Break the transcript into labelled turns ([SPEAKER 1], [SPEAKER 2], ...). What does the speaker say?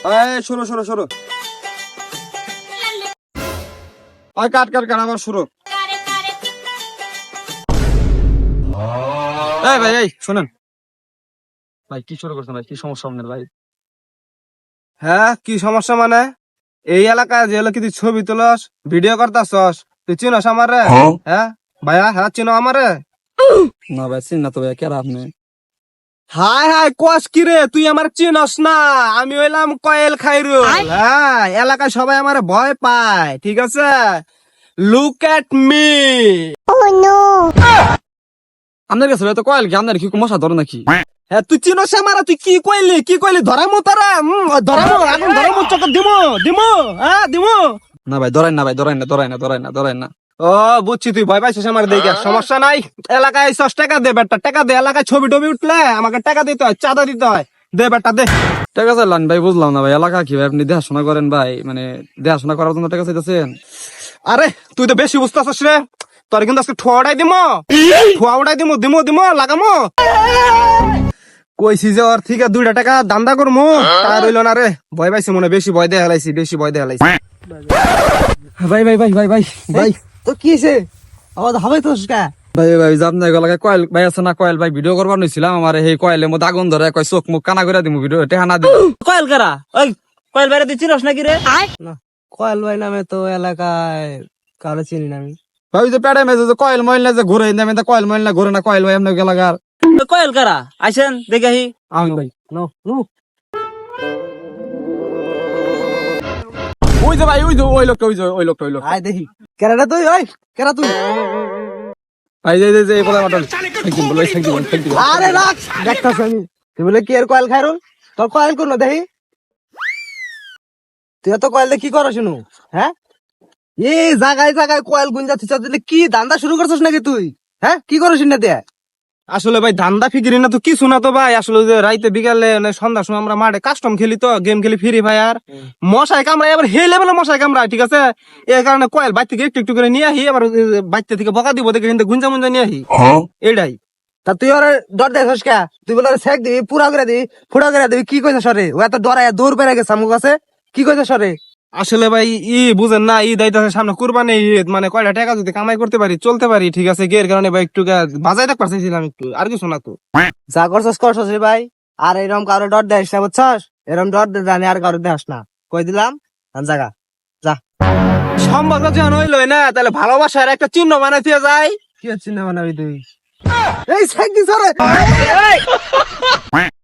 [SPEAKER 1] শুরু শুরু শুরু। কাট কাট কাট, আবার শুরু। ভাই এই শোনেন ভাই, কি শুরু করছেন ভাই? কি সমস্যা আপনার ভাই? হ্যাঁ, কি সমস্যা মানে? এই এলাকায় যে এলাকা তুই ছবি তুলস, ভিডিও করতাছস, তুই চিনস আমারে? হ্যাঁ ভাইয়া, হ্যাঁ চিনো আমারে?
[SPEAKER 2] না ভাই চিন না তো ভাই, কেরা আপনি?
[SPEAKER 1] হাই হাই, কোয়াস কি রে? তুই আমার চিনস না? আমি হইলাম কয়েল খাইরুল। হ্যাঁ, এলাকায় সবাই আমার ভয় পায়, ঠিক আছে? Look at me.
[SPEAKER 2] আপনার কাছে ভাই তো কয়েল কি, আপনার কি মশা ধরে নাকি?
[SPEAKER 1] হ্যাঁ, তুই চিনস আমারে? তুই কি কইলি? কি কইলি? ধরামু তারা, ধরামু, এখন ধরামু, চক্কর দিমু দিমু, হ্যাঁ দিমু।
[SPEAKER 2] না ভাই ধরাই না, ভাই ধরাই না, ধরাই না, ধরাই না, ধরাই না।
[SPEAKER 1] ও বুঝছি, তুই ভয় পাইছিস আমার দেখে। সমস্যা নাই, এলাকায় আইছস, টাকা দে বেটা, টাকা দে। এলাকায় ছবি টবি উঠলে আমাকে টাকা দিতে হয়, চাঁদা দিতে হয়। দে বেটা দে।
[SPEAKER 2] টাকা চাইলেন ভাই, বুঝলাম না ভাই, এলাকা কি ভাই আপনি দেখাশোনা করেন ভাই, মানে দেখাশোনা করার জন্য টাকা চাইতেছেন?
[SPEAKER 1] আরে তুই তো বেশি বুঝতেছিস রে। তোর কিন্তু আজকে ঠোয়া উড়াই দিমো, ঠোয়া উড়াই দিমো, দিমো দিমো, লাগামো। কইছি যে ওর থেকে 2 টাকা দান্দা করমু, তা রইল না রে। ভয় পাইছি মনে, বেশি ভয় দিয়ে হেলাইছি, বেশি ভয় দিয়ে হেলাইছি।
[SPEAKER 2] ভাই ভাই ভাই ভাই ভাই ভাই
[SPEAKER 1] তো কি হয়েছে? আমার হবে তো
[SPEAKER 2] ভাই ভাই যে আপনার এলাকায় কয়েল ভাই আছে না? কয়েল ভাই ভিডিও করবার নিছিলাম, আমার এই কয়েলের মধ্যে আগুন ধরে, কয় চোখ মুখ কানা করে দিমু, ভিডিও টেহা না দিমু।
[SPEAKER 3] কয়েল কারা? ওই কয়েল বাইরে তুই চিনস নাকি রে?
[SPEAKER 1] কয়েল ভাই নামে তো এলাকায় কারো চিনি না আমি।
[SPEAKER 2] ভাই যে প্যাডে মেজে যে কয়েল মহিলা যে ঘুরে, আমি তো কয়েল মহিলা ঘুরে না, কয়েল ভাই আপনার এলাকার।
[SPEAKER 3] ওই কয়েল কারা? আইসেন দেখে আহি।
[SPEAKER 2] আমি ভাই
[SPEAKER 1] নো নো।
[SPEAKER 2] ওই যে ভাই, ওই যে ওই লোকটা, ওই যে ওই লোকটা, ওই লোক।
[SPEAKER 1] আয় দেখি। কেরাটা তুই? ওই কেরা তুই?
[SPEAKER 2] ভাই যে যে এই কথা মাতাল একদিন বলো, একদিন
[SPEAKER 1] আরে রাখ, দেখতাছ আমি। তুই বলে কি এর কয়েল খাইরুল? তোর কয়েল কোন দেখি? তুই তো কয়েল কি করছ শুনু? হ্যাঁ, এই জায়গায় জায়গায় কয়েল গুঞ্জা থিচা দিলে কি ধান্দা শুরু করছিস নাকি তুই? হ্যাঁ, কি করছিস না দে? আসলে ভাই ধান্দা ফিকিরি না তো কিছু না তো ভাই। আসলে যে রাইতে বিকালে সন্ধ্যার সময় আমরা মাঠে কাস্টম খেলি, তো গেম খেলি ফ্রি ফায়ার। মশাই কামড়ায়, আবার হে লেভেলে মশাই কামড়ায়, ঠিক আছে? এই কারণে কয়েল বাইর থেকে একটু একটু করে নিয়ে আহি, আবার বাইতে থেকে বকা দিব দেখে কিন্তু গুঞ্জা মুঞ্জা নিয়ে আহি। এটাই। তা তুই ওর ডর দেখছিস কে? তুই বলে শেখ দিবি, পুরা করে দিবি, ফুটা করে দিবি, কি কইছ সরে? ও এত ডরায় দৌড় পেরে গেছে আমার কাছে, কি কইছ সরে? আসলে ভাই বুঝেন না, দায়িত্ব সামনে কুরবানি ঈদ, মানে কয়টা টাকা যদি কামাই করতে পারি, চলতে পারি, ঠিক আছে? এর কারণে ভাই একটু বাজাই রাখ পারছিলাম একটু, আর কিছু না তো। যা করছস করছস রে ভাই, আর এরকম কারো ডর দেয় না, বুঝছস? এরকম ডর জানি আর কারো দেখাস না, কই দিলাম। জায়গা যা। সম্পর্ক যখন হইল না, তাহলে ভালোবাসার একটা চিহ্ন বানাইতে যায়। কি চিহ্ন বানাবি তুই? এই সাইড দিছ রে।